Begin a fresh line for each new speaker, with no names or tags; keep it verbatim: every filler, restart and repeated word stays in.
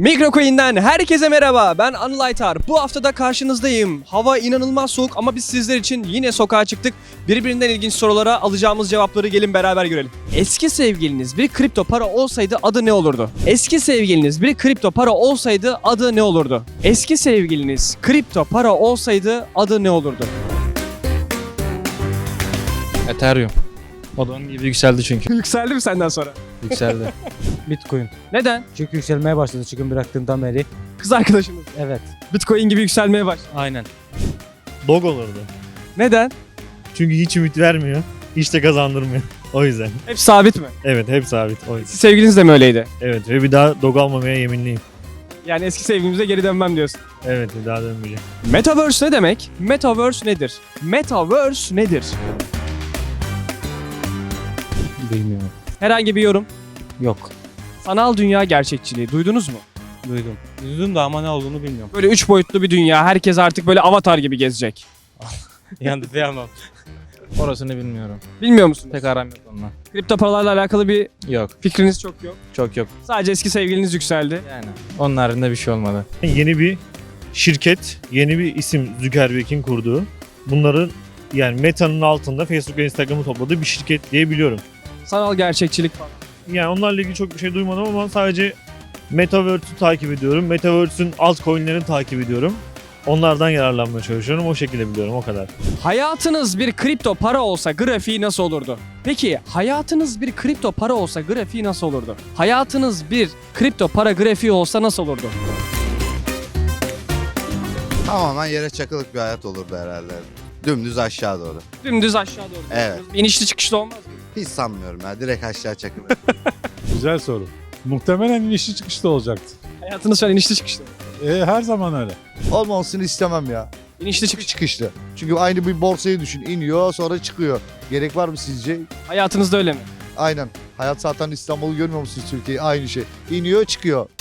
Mikrocoin'den herkese merhaba. Ben Anıl Aytar. Bu haftada karşınızdayım. Hava inanılmaz soğuk ama biz sizler için yine sokağa çıktık. Birbirinden ilginç sorulara alacağımız cevapları gelin beraber görelim. Eski sevgiliniz bir kripto para olsaydı adı ne olurdu? Eski sevgiliniz bir kripto para olsaydı adı ne olurdu? Eski sevgiliniz kripto para olsaydı adı ne olurdu?
Ethereum. O da onun gibi yükseldi çünkü.
Yükseldi mi senden sonra?
Yükseldi.
Bitcoin.
Neden?
Çünkü yükselmeye başladı çıkın bıraktığımdan beri.
Kız arkadaşınız.
Evet.
Bitcoin gibi yükselmeye başladı.
Aynen.
Dog olurdu.
Neden?
Çünkü hiç ümit vermiyor. Hiç de kazandırmıyor. O yüzden.
Hep sabit mi?
Evet, hep sabit. O yüzden.
Sevgiliniz de mi öyleydi?
Evet ve bir daha dog almamaya yeminliyim.
Yani eski sevgilimize geri dönmem diyorsun.
Evet, bir daha dönmeyeceğim.
Metaverse ne demek? Metaverse nedir? Metaverse nedir?
Bilmiyorum.
Herhangi bir yorum.
Yok.
Sanal dünya gerçekçiliği duydunuz mu?
Duydum. Duydum da ama ne olduğunu bilmiyorum.
Böyle üç boyutlu bir dünya. Herkes artık böyle avatar gibi gezecek.
Yandıramam. Orasını bilmiyorum.
Bilmiyor musunuz?
Pek aram yok onunla.
Kripto paralarla alakalı bir
Yok.
fikriniz çok yok.
Çok yok.
Sadece eski sevgiliniz yükseldi.
Yani. Onun haricinde bir şey olmadı.
Yeni bir şirket, yeni bir isim Zuckerberg'in kurduğu. Bunların yani Meta'nın altında Facebook ve Instagram'ı topladığı bir şirket diye biliyorum.
Sanal gerçekçilik falan.
Yani onlarla ilgili çok bir şey duymadım ama sadece Metaverse'ü takip ediyorum. Metaverse'ün altcoin'lerini takip ediyorum. Onlardan yararlanmaya çalışıyorum. O şekilde biliyorum, o kadar.
Hayatınız bir kripto para olsa grafiği nasıl olurdu? Peki hayatınız bir kripto para olsa grafiği nasıl olurdu? Hayatınız bir kripto para grafiği olsa nasıl olurdu?
Tamamen yere çakılık bir hayat olurdu herhalde. Dümdüz aşağı doğru.
Dümdüz aşağı doğru.
Evet.
İnişli çıkışlı olmaz mı?
Hiç sanmıyorum ya. Direkt aşağı çakılır.
Güzel soru. Muhtemelen inişli çıkışta olacaktı.
Hayatınız şu an inişli çıkışlı.
E, her zaman öyle.
Olmamasını istemem ya.
İnişli çıkış.
Çıkışlı. Çünkü aynı bir borsayı düşün. İniyor sonra çıkıyor. Gerek var mı sizce?
Hayatınızda öyle mi?
Aynen. Hayat zaten İstanbul'u görmüyor musunuz Türkiye'yi? Aynı şey. İniyor çıkıyor.